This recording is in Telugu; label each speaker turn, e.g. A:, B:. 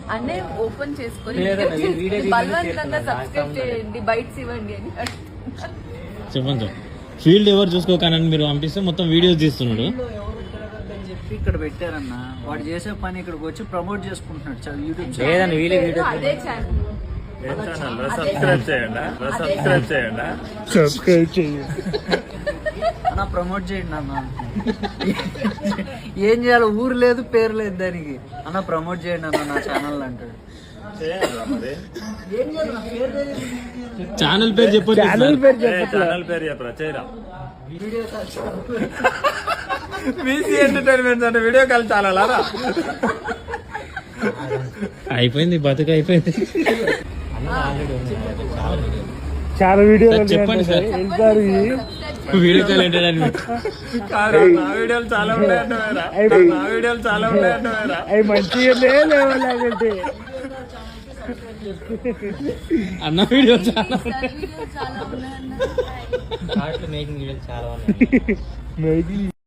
A: అన్నే ఓపెన్ చేసుకొని బలవంతంగా సబ్స్క్రైబ్ చేయండి, బైట్స్ ఇవ్వండి అని
B: చెప్పండి. ఫీల్డ్ ఎవరు చూసుకోకనని మీరు పంపిస్తే మొత్తం వీడియోస్ తీస్తున్నాడు.
C: చెప్పి ఇక్కడ పెట్టారన్న, వాడు చేసే పని ఇక్కడికి వచ్చి ప్రమోట్ చేసుకుంటున్నాడు యూట్యూబ్
A: అదే ఛానల్.
D: సబ్స్క్రైబ్ చేయండి
C: అన్న, ప్రమోట్ చేయండి అన్న. ఏం చేయాలి, ఊరు లేదు పేరు లేదు దానికి. అన్న ప్రమోట్ చేయండి అన్న నా ఛానల్ అంటాడు.
B: ఛానల్ పేరు చెప్పొచ్చు.
D: ఛానల్ పేరు
E: చెప్పరా చేయరా. బీసీ ఎంటర్టైన్మెంట్స్ అంటే వీడియో కాల్ చాలా
B: అయిపోయింది, బతుకు అయిపోయింది.
D: చాలా వీడియోలు
B: చెప్పండి సార్.
D: వెళ్తారు
B: వీడియో కాల్ ఎంటర్టైన్మెంట్.
E: నా వీడియోలు చాలా ఉన్నాయంటే నా వీడియోలు చాలా ఉన్నాయంటే
D: అవి మంచిగా లేవాలంటే
B: అన్న వీడియో చాలా
A: చాలా ఉన్నాయన్న.
B: మేకింగ్ వీడియోలు చాలా ఉన్నాయి.